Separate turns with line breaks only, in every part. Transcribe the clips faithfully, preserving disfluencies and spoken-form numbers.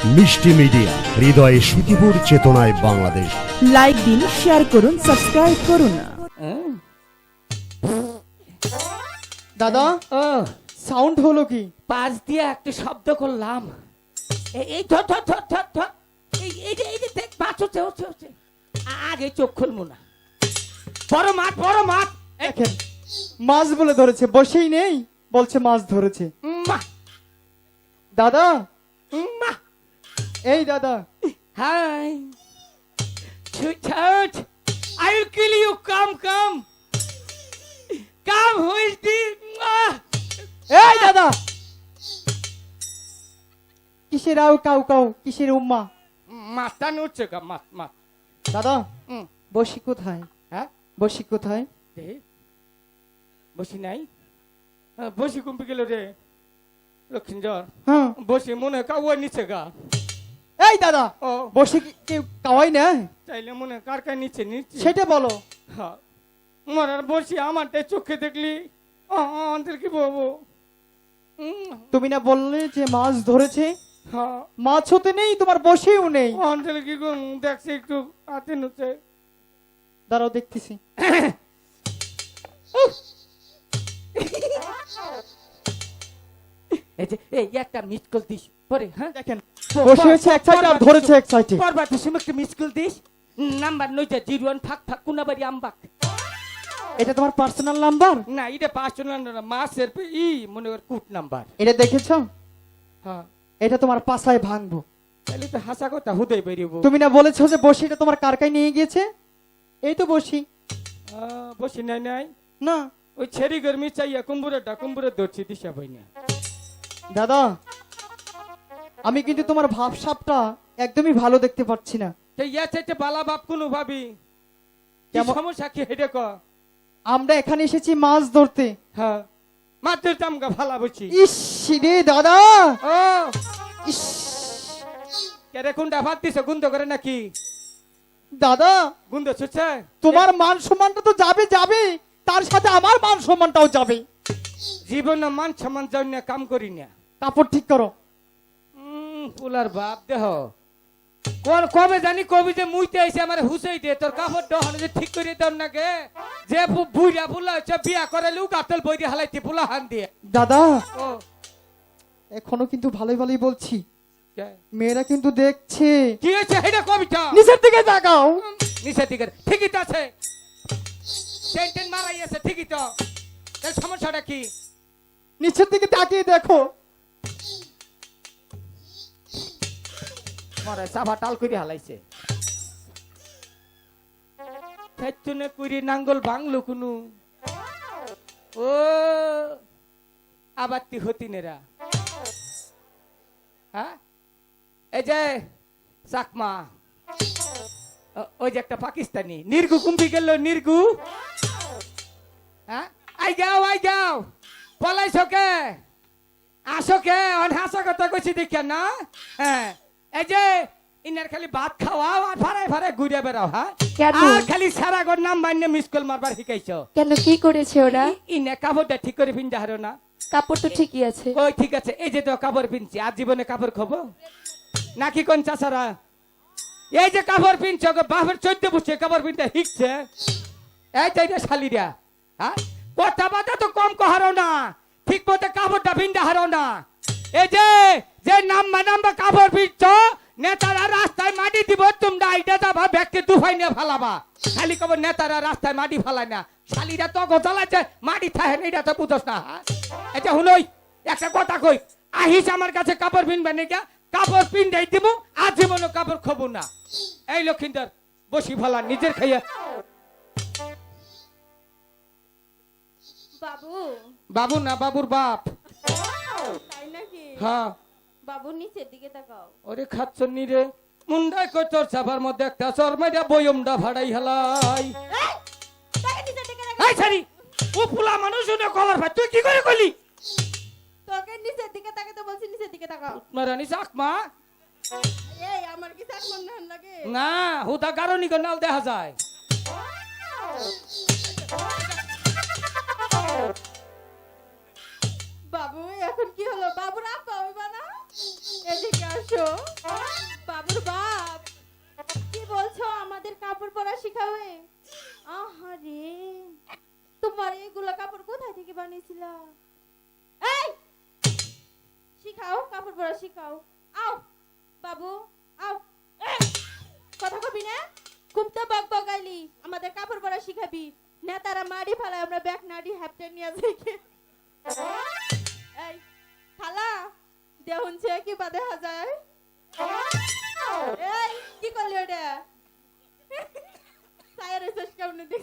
মিষ্টি মিডিয়া, হৃদয়ে সুখীপুর, চেতনায় বাংলাদেশ।
লাইক দিন, শেয়ার করুন, সাবস্ক্রাইব করুন।
দাদা,
ও
সাউন্ড হলো কি?
পাশ দিয়ে একটা শব্দ করলাম। এই- এই ধর ধর ধর ধর ধর এই এই যে এই যে দেখ মাছ হচ্ছে হচ্ছে হচ্ছে আ- আগে চোখ খুলবো না। বড় মাছ বড় মাছ এই,
দেখেন, মাছ বলে ধরেছে, বসেই নেই, বলছে মাছ ধরেছে।
মা
দাদা,
মা
এই দাদা,
hi sweet I will kill you, come come come who is the
এই দাদা, কিসের আউ কাউ কাউ, কিসের উম্মা?
মাছটা নড়ছে গা মাছ মাছ।
দাদা,
হুম,
বসি কোথায়?
হ্যাঁ
বসি কোথায়?
দে বসি নাই, আহ, বসি কুম্পি গেল রে লক্ষ্মীঞ্জর।
হ্যাঁ,
বসি মনে হয় কাউয়া নিচে গা।
এই দাদা,
ও
বসি কি কেউ কাওয়াই না?
চাইলে মনে হয় কার কার নিচে নিচে
সেটা বলো।
হ্যাঁ মরার বসি আমারটা চোখে দেখলি আমাদের কি বলবো। উম,
তুমি না বললে যে মাছ ধরেছে?
হ্যাঁ
মাছ হতে নেই, তোমার বসেও নেই।
আমাদের কি করুন, দেখছি একটু হাতে নুচে।
দাঁড়াও, দেখতেছি।
এই যে এই একটা মিস কল দিস পরে, হ্যাঁ
দেখেন, বসে হয়েছে এক সাইডে আর ধরেছে এক সাইডে।
পরবার তুই একটা মিস কল দিস। নাম্বার নইটা জিরো ওয়ান ফাঁক ফাঁক কুনাবাড়ি আমবাক।
এটা তোমার পার্সোনাল নাম্বার?
না এটা পাঁচশো না মাসের পে ই মনে কর কুট নাম্বার।
এটা দেখেছো?
হ্যাঁ
এটা তোমার পাছায় ভাঙবো।
তাহলে তো হাসা কথা হুদেই বেরিয়েবো।
তুমি না বলেছো যে বসিটা তোমার কারকায় নিয়ে গিয়েছে? এই তো বসি।
আহ, বসি নাই নাই
না
ওই ছেড়ি গরমি চাইয়া কুম্বুরেটা কুম্বুরে ধরছি দিশা পাই না।
দাদা, আমি কিন্তু তোমার ভাবসাবটা একদমই ভালো দেখতে পাচ্ছি না।
তো ইয়া চাইতে বালা বাপ কোনো ভাবি কি
কেমন-
সমস্যা কি হেডে ক।
আমরা এখানে এসেছি মাছ ধরতে।
হ্যাঁ মাত্র তামগা ভালা বলছি।
ইস রে দাদা,
ও
ইস
কেরে কোনটা ভাত দিছে গুন্দ করে নাকি?
দাদা,
গুন্দ ছুটছে
তোমার মান সম্মানটা তো যাবে যাবে, তার সাথে আমার মান সম্মানটাও যাবে।
জীবনে মান সম্মান যাই না, কাম করি না।
কাপড় ঠিক করো।
উম, পুলার বাপ দেহ কোন কবে জানি কবি যে মুইতে আইছে আমার হুসাই দে তোর কাপড় দহন যে ঠিক করে দাও না গে। যে বু- বুইরা পুলা হচ্ছে বিয়া করে লু গাতল বইরে হালাইতে পুলা হান দিয়ে।
দাদা,
ও
এখনো কিন্তু ভালোই ভালোই বলছি,
কে?
মেয়েরা কিন্তু দেখছে।
কি হয়েছে এটা কবিতা
নিচের দিকে তাকাও।
নিচের দিকে ঠিকই তো আছে, টেন টেন মারাই আছে ঠিকই তো। তার সমস্যাটা কি?
নিচের দিকে তাকিয়ে দেখো।
মরে সাফা টাল করে হালাইছে। ফেচুনে কুইরি নাঙ্গল বাংলো কুনু। ও আবার তি হতিনেরা, হ্যাঁ এই যে চাকমা, ও- ওই যে একটা পাকিস্তানি নির্গু কুম্পি গেল নির্গু। হ্যাঁ আই গাও আই গাও পলাইছ কে আসো কে অন হাসা কথা কইছি দেখিয়া না। হ্যাঁ এই যে ইনার খালি ভাত খাওয়াও আর ভাড়ায় ভাড়ায় ঘুরে বেড়াও। হ্যাঁ
কেন?
আর খালি সারা ঘর নাম বান্নে মিস কল মারবার শিখাইছো।
কেন, কি করেছে ওরা?
ইনে কাপড়টা ঠিক করে পিনতে হারো না।
কাপড় তো ঠিকই আছে।
ওই ঠিক আছে, এই যে তো কাপড় পিনছি আর জীবনে কাপড় খাবো নাকি কোন চাচারা? এই যে কাপড় পিনছ বাপের চোদ্দ বসে কাপড় পিনতে শিখছে। এই তো এটা শালিরা, হ্যাঁ কথা বার্তা তো কম কহারো না, ঠিক মতো কাপড়টা পিনতে হারো না। এই যে যে নাম্বা নাম্বা কাপড় পিনছ নেতারা রাস্তায় মাটি দিব, তোমরা এটা যাবা ব্যাগকে দুফাই নিয়ে ফালাবা। খালি কব নেতারা রাস্তায় মাটি ফালায় না, শালিরা তো গোজালাচ্ছে মাটি থাকে না, এটা তো বুঝস না। হ্যাঁ? এটা হুনই একটা কথা কই, আহিস আমার কাছে কাপড় পিনবে নাকি, কাপড় পিনটাই দিব, আর জীবনে কাপড় খাবো না। এই লক্ষিন্দর বসি ফালা নিজের খাইয়া।
বাবু,
বাবু না বাবুর বাপ।
তাই নাকি?
হ্যাঁ
বাবু নিচের দিকে তাকাও।
ওরে খাচ্ছনি রে মুন্ডাই কই তোর চাপার মধ্যে একটা চরমাইরা বয়মটা ভাড়াই হালাই।
এই, তাকে নিচের দিকে তাকাও।
এই ছাড়ি ও পুলা মানুষ শুনে কলার ভাই তুই কি করে কইলি?
তোকে নিচের দিকে তাকাতে বলছি, নিচের দিকে তাকাও।
মারানি চাকমা
এই আমার কি চাক মনে হয় লাগে?
না হুদা কারণই নাল দেখা যায়।
বাবু এখন কি হলো? বাবুর আপা হইবা না? এদিকে আসো। শিখাবে? আহারে, তোমার এগুলা কাপড় কোথায় থেকে বানিয়েছিলা? এই, শিখাও, কাপড় পরা শিখাও। আও বাবু, আও। এই, কথা কবি না? খুব তো বক বকাইলি, আমাদের কাপড় পরা শিখাবি। নেতারা মারি ফেলায়, আমরা ব্যাগ নাড়ি হ্যাপটেন নিয়ে যাই। এই খালা, দেহুন সে কি বা দেখা যায়? এই কি করলি ওটা? সায়ের শেষ কেমন দেখ।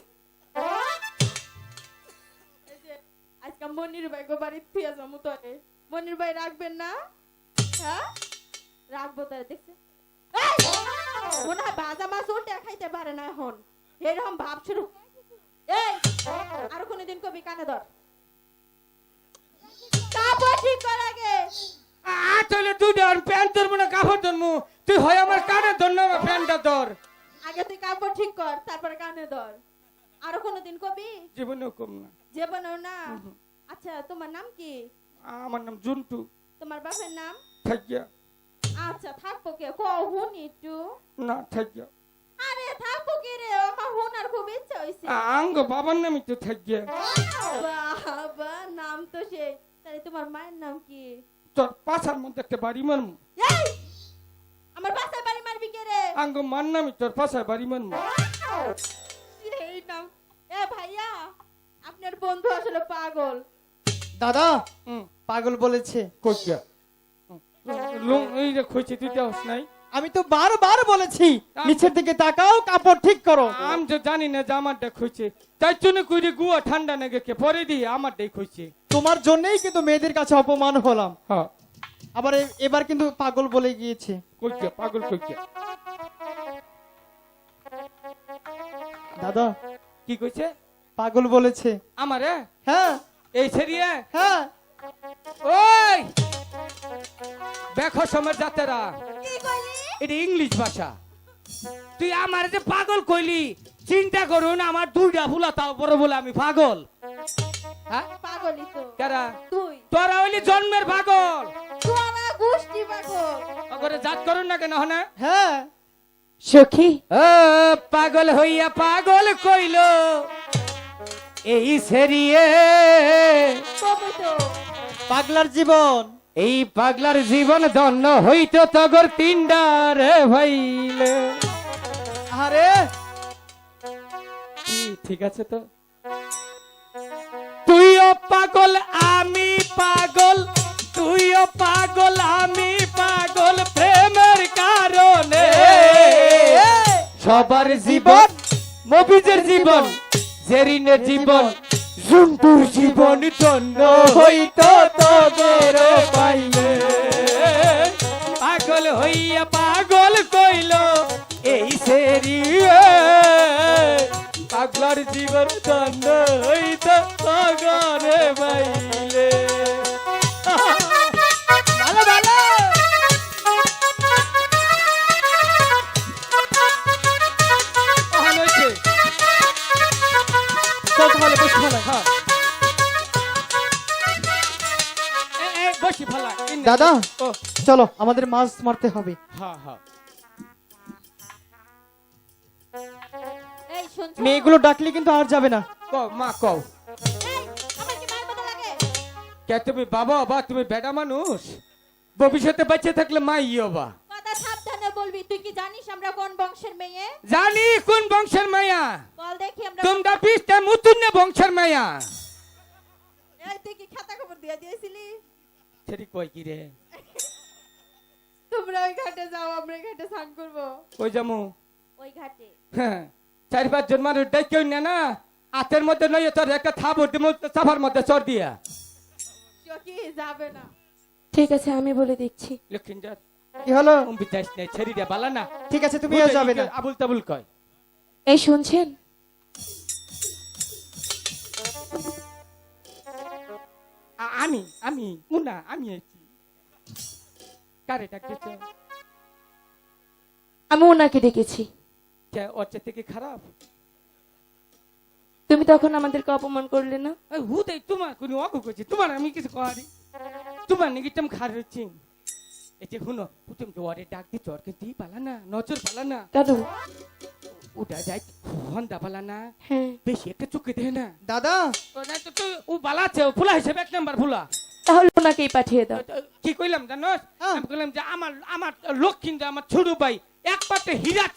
এই যে আজকে মনির ভাই গো বাড়ি ফিরে যাবো তোরে। মনির ভাই রাখবেন না? হ্যাঁ রাখবো তারে, দেখছে? এই, মনে হয় ভাজা মাছ ওটা খাইতে পারে না এখন, এরকম ভাব শুরু। এই আর কোনদিন কবি কানে ধর, কাপড় ঠিক কর আগে।
আসলে তুই ধর প্যান্ট ধরবো না কাপড় ধরবো, তুই হয় আমার কানে ধর না আমার প্যান্টটা ধর।
আগে তুই কাপড় ঠিক কর, তারপরে কানে ধর। আর কোনদিন কবি?
জীবনেও কম না।
জীবনেও না? আচ্ছা তোমার নাম কি?
আমার নাম জুন্টু।
তোমার বাপের নাম?
থাকিয়া।
আচ্ছা থাকবো কে, কহুন একটু।
না থাকিয়া।
আরে থাকবো কে রে, আমার হোনার খুব ইচ্ছা হইছে।
আঙ্গ বাবার নামই তো থাকিয়া।
বাবা নাম তো সেই। তাহলে তোমার মায়ের নাম কি?
তোর পাছার মধ্যে একটা বাড়ি মারমু।
এই আমার বাসায় বাড়ি মারবি কে রে?
আঙ্গ মার নামই তোর পাছার বাড়ি মারমু।
এই নাম। এ ভাইয়া, আপনার বন্ধু আসলে পাগল।
দাদা
হুম
পাগল বলেছে।
কইয়া। লং এই যে কইছে তুই দেওস নাই।
আমি তো বারবার বলেছি নিচের দিকে তাকাও, কাপড় ঠিক করো।
আমি তো জানি না যে আমারটা খুঁজছে, তাই জন্য কইরে গুয়া ঠান্ডা না গেছে পরে দিয়ে আমারটাই খুঁজছে।
তোমার জন্যই কিন্তু মেয়েদের কাছে অপমান হলাম।
হ্যাঁ
আবার এ- এবার কিন্তু পাগল বলে গিয়েছে।
কইয়া পাগল কইয়া।
দাদা
কি কইছে?
পাগল বলেছে।
আমারে
হ্যাঁ
এই সেরিয়ে
হ্যাঁ।
ওই দেখো সময় যাতেরা,
কি কইলি?
এটা ইংলিশ ভাষা। তুই আমার যে পাগল কইলি, চিন্তা করুন আমার দুইটা ভুলা তাও বড় বলে আমি পাগল। হ্যাঁ
পাগলই তো
কারা?
তুই।
তোরা হইলি জন্মের পাগল।
তোরা গোষ্ঠী পাগল।
ওগরে জাত করুন না কেন হনে?
হ্যাঁ
সখী,
ও পাগল হইয়া পাগল কইল এই সেরিয়ে,
কবে তো
পাগলার জীবন।
এই পাগলার জীবন ধন্য হইতো তগর তিনডার ভাইলে।
আরে
কি ঠিক আছে তো? তুইও পাগল আমি পাগল, তুইও পাগল আমি পাগল, প্রেমের কারণে সবার জীবন, মবিজের জীবন, জেরিনের জীবন, জুন্টুর জীবন ধন্য হইতো তগর পাইলে। পাগল হইয়া পাগল কইল এই সেরিয়ে, পাগলার জীবন ধন্য হইতো তগর পাইলে। ভালো ভালো ভালো হয়েছে।
চল তাহলে বসে ফেলাই।
হ্যাঁ এ, এ, বসি ফেলা। এই নে।
দাদা
ও
চলো আমাদের মাছ মারতে হবে।
হ্যাঁ হ্যাঁ
এই শুনছো?
মেয়েগুলো ডাকলে কিন্তু আর যাবে না।
কও মা কও।
এই আমার কি মায়ের মতো লাগে?
কে তুমি বাবা বা তুমি বেটা মানুষ, ভবিষ্যতে বেঁচে থাকলে মা ইয়ে বা।
কথা সাবধানে বলবি। তুই কি জানিস আমরা কোন বংশের মেয়ে?
জানি কোন বংশের মায়া,
বল দেখি আমরা।
তোমরা পিসটা মুতুন্য বংশের মায়া।
এই তুই কি খাতা খবর দিয়ে দিয়েছিলি?
সেটি কই কি রে?
তোমরা ওই ঘাটে যাও, আমরা এই ঘাটে স্নান করবো।
কই যামু?
ওই ঘাটে
হ্যাঁ, চার পাঁচ জন মানুষ ডাইকেও না না, হাতের মধ্যে নয় তোর একটা থাবর দিমু চাপার মধ্যে চর দিয়া।
চকি যাবে না।
ঠিক আছে আমি বলে দিচ্ছি।
লক্ষিণজাত
কি হলো?
উম্বি যাইস না, ছেড়ি দিয়া বালা না।
ঠিক আছে তুমিও যাবে না।
আবুল তাবুল কয়।
এই শুনছেন?
আ- আমি আমি মুনা আমি আইছি। কারে ডাকতেছ?
আমি ওনাকে ডেকেছি।
কে ওর চেয়ে থেকে খারাপ?
তুমি তখন আমাদেরকে অপমান করলে না?
এই হুদাই তোমার কোন অগু করছি, তোমার আমি কিছু করি, তোমার নাকি তুমি খার হচ্ছি। এই যে শুনো, তুমি তো ওরে ডাক দিচ্ছ, ওর কিন্তু পালা না, নজর পালা না।
কেন?
ওটা যাই হন্দা বালা না
হ্যাঁ
বেশি একটা চুকে দে না
দাদা
ও না তো তুই ও বালা আছে ও ফুলা হিসেবে এক নাম্বার ফুলা
তাহলে ওনাকেই পাঠিয়ে দাও
কি কইলাম জানোস
হ্যাঁ।
আমি কইলাম যে আমার আমার লক্ষ্মী আমার ছোট ভাই একমাত্র হীরা